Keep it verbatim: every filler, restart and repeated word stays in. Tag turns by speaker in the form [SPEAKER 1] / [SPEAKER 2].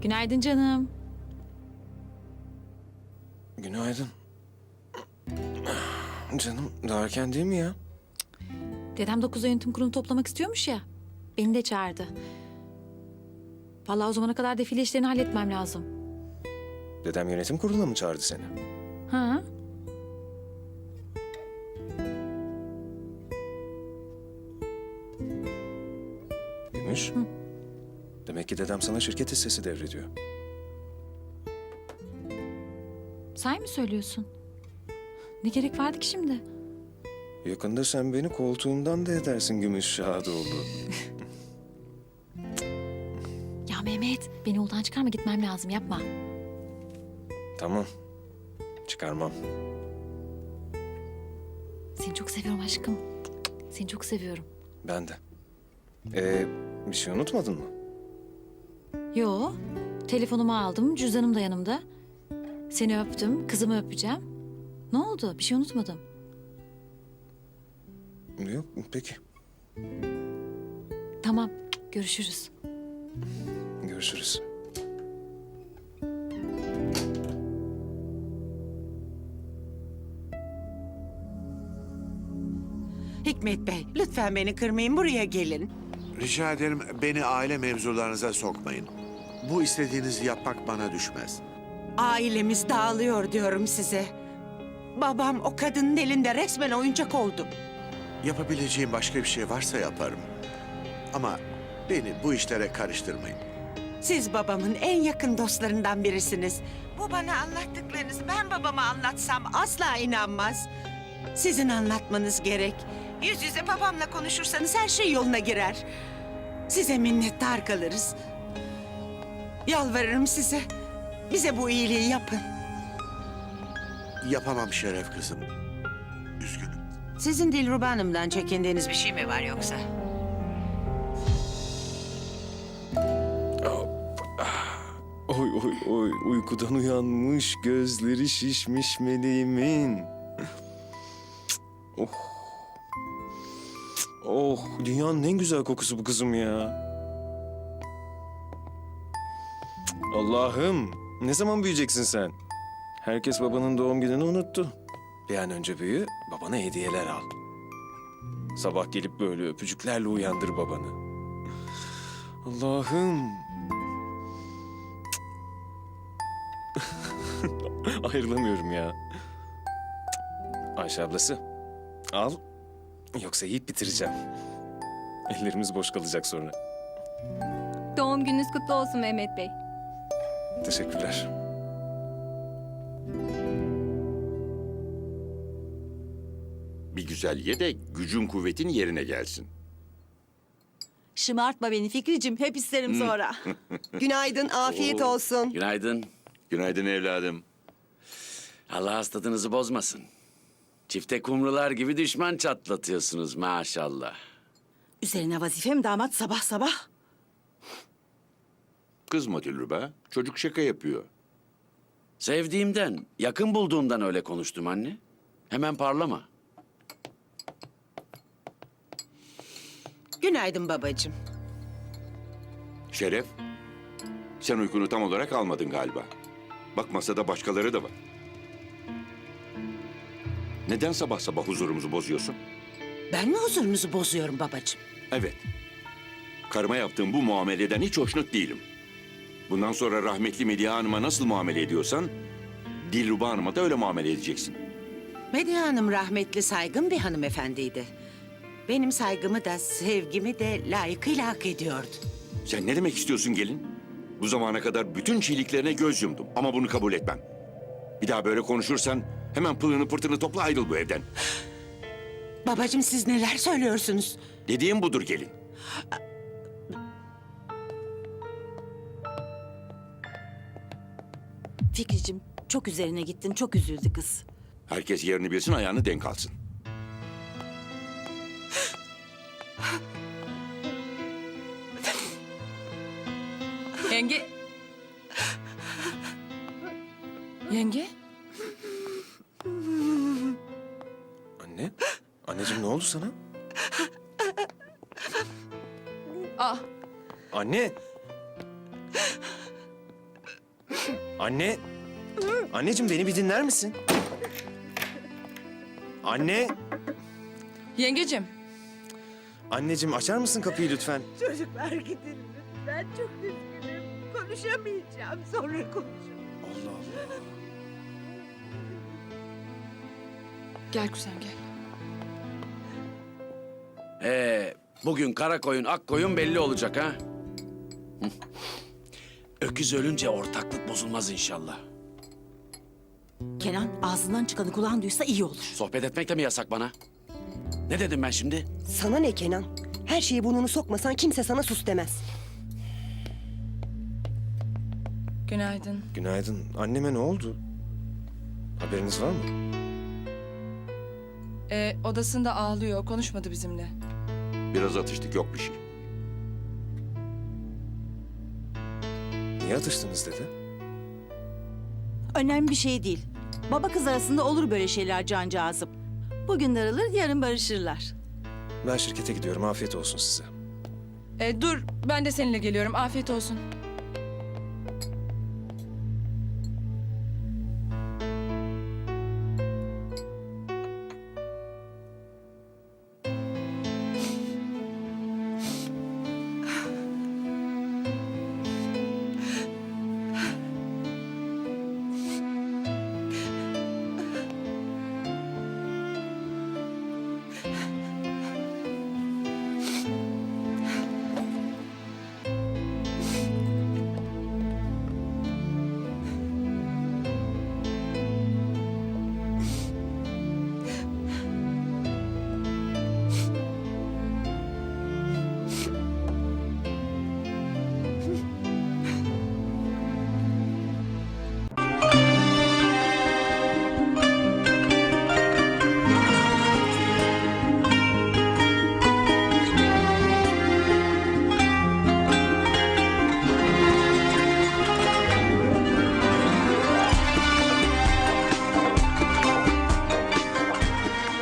[SPEAKER 1] Günaydın canım.
[SPEAKER 2] Günaydın. Canım daha erken değil mi ya?
[SPEAKER 1] Dedem dokuzda yönetim kurulu toplamak istiyormuş ya. Beni de çağırdı. Vallahi o zamana kadar defile işlerini halletmem lazım.
[SPEAKER 2] Dedem yönetim kuruluna mı çağırdı seni?
[SPEAKER 1] Ha?
[SPEAKER 2] Gümüş. Demek ki dedem sana şirket hissesi devrediyor.
[SPEAKER 1] Sen mi söylüyorsun? Ne gerek vardı ki şimdi?
[SPEAKER 2] Yakında sen beni koltuğumdan da edersin Gümüş Şadoğlu.
[SPEAKER 1] Ya Mehmet, beni yoldan çıkarma, gitmem lazım, yapma.
[SPEAKER 2] Tamam. Çıkarmam.
[SPEAKER 1] Seni çok seviyorum aşkım. Seni çok seviyorum.
[SPEAKER 2] Ben de. Ee, bir şey unutmadın mı?
[SPEAKER 1] Yo, telefonumu aldım, cüzdanım da yanımda. Seni öptüm, kızımı öpeceğim. Ne oldu? Bir şey unutmadım.
[SPEAKER 2] Yok, peki.
[SPEAKER 1] Tamam, görüşürüz.
[SPEAKER 2] Görüşürüz.
[SPEAKER 3] Hikmet Bey, lütfen beni kırmayın, buraya gelin.
[SPEAKER 4] Rica ederim beni aile mevzularınıza sokmayın. Bu istediğinizi yapmak bana düşmez.
[SPEAKER 3] Ailemiz dağılıyor diyorum size. Babam o kadının elinde resmen oyuncak oldu.
[SPEAKER 4] Yapabileceğim başka bir şey varsa yaparım. Ama beni bu işlere karıştırmayın.
[SPEAKER 3] Siz babamın en yakın dostlarından birisiniz. Bu bana anlattıklarınızı ben babama anlatsam asla inanmaz. Sizin anlatmanız gerek. Yüz yüze babamla konuşursanız her şey yoluna girer. Size minnettar kalırız. Yalvarırım size. Bize bu iyiliği yapın.
[SPEAKER 4] Yapamam Şeref kızım. Üzgünüm.
[SPEAKER 3] Sizin Dilruba Hanım'dan çekindiğiniz bir şey mi var yoksa?
[SPEAKER 2] Oy oy oy uykudan uyanmış gözleri şişmiş meleğimin. Oh. Oh dünyanın en güzel kokusu bu kızım ya. Allah'ım ne zaman büyüyeceksin sen? Herkes babanın doğum gününü unuttu. Bir an önce büyü, babana hediyeler al. Sabah gelip böyle öpücüklerle uyandır babanı. Allah'ım. Ayrılamıyorum ya. Ayşe ablası, al. Yoksa yiyip bitireceğim. Ellerimiz boş kalacak sonra.
[SPEAKER 5] Doğum gününüz kutlu olsun Mehmet Bey.
[SPEAKER 2] Teşekkürler.
[SPEAKER 6] Bir güzel ye de gücün kuvvetin yerine gelsin.
[SPEAKER 7] Şımartma beni Fikricim, hep isterim sonra.
[SPEAKER 8] Günaydın, afiyet olsun.
[SPEAKER 9] Günaydın.
[SPEAKER 6] Günaydın evladım.
[SPEAKER 9] Allah hastalığınızı bozmasın. Çifte kumrular gibi düşman çatlatıyorsunuz maşallah.
[SPEAKER 7] Üzerine vazifem damat sabah sabah.
[SPEAKER 6] Kızma Dilruba. Çocuk şaka yapıyor.
[SPEAKER 9] Sevdiğimden, yakın bulduğumdan öyle konuştum anne. Hemen parlama.
[SPEAKER 3] Günaydın babacığım.
[SPEAKER 6] Şeref, sen uykunu tam olarak almadın galiba. Bak masada başkaları da var. Neden sabah sabah huzurumuzu bozuyorsun?
[SPEAKER 3] Ben mi huzurunuzu bozuyorum babacığım?
[SPEAKER 6] Evet. Karıma yaptığım bu muameleden hiç hoşnut değilim. Bundan sonra rahmetli Medya Hanım'a nasıl muamele ediyorsan... Dilruba Hanım'a da öyle muamele edeceksin.
[SPEAKER 3] Medya Hanım rahmetli saygın bir hanımefendiydi. Benim saygımı da sevgimi de layıkıyla hak ediyordu.
[SPEAKER 6] Sen ne demek istiyorsun gelin? Bu zamana kadar bütün çiğliklerine göz yumdum ama bunu kabul etmem. Bir daha böyle konuşursan hemen pılını pırtını topla ayrıl bu evden.
[SPEAKER 3] Babacığım siz neler söylüyorsunuz?
[SPEAKER 6] Dediğim budur gelin.
[SPEAKER 7] Fikricim, çok üzerine gittin, çok üzüldü kız.
[SPEAKER 6] Herkes yerini bilsin ayağını denk alsın.
[SPEAKER 5] Yenge. Yenge?
[SPEAKER 2] Anne, anneciğim ne oldu sana?
[SPEAKER 5] Ah,
[SPEAKER 2] Anne. Anne. Anneciğim beni bir dinler misin? Anne.
[SPEAKER 10] Yengecim,
[SPEAKER 2] Anneciğim açar mısın kapıyı lütfen?
[SPEAKER 3] Çocuklar gidin lütfen. Çok üzgünüm. Konuşamayacağım. Sonra konuşurum.
[SPEAKER 2] Allah Allah.
[SPEAKER 10] gel kuzen gel.
[SPEAKER 9] Ee, bugün kara koyun ak koyun belli olacak ha. Hı. Öküz ölünce ortaklık bozulmaz inşallah.
[SPEAKER 7] Kenan ağzından çıkanı kulağın duysa iyi olur.
[SPEAKER 9] Sohbet etmek de mi yasak bana? Ne dedim ben şimdi?
[SPEAKER 8] Sana ne Kenan? Her şeye burnunu sokmasan kimse sana sus demez.
[SPEAKER 10] Günaydın.
[SPEAKER 2] Günaydın. Anneme ne oldu? Haberiniz var mı?
[SPEAKER 10] Ee, odasında ağlıyor, konuşmadı bizimle.
[SPEAKER 6] Biraz atıştık, yok bir şey.
[SPEAKER 2] Niye atıştınız dede?
[SPEAKER 7] Önemli bir şey değil. Baba kız arasında olur böyle şeyler cancağızım. Bugün darılır, yarın barışırlar.
[SPEAKER 2] Ben şirkete gidiyorum. Afiyet olsun size.
[SPEAKER 10] Ee, dur, ben de seninle geliyorum. Afiyet olsun.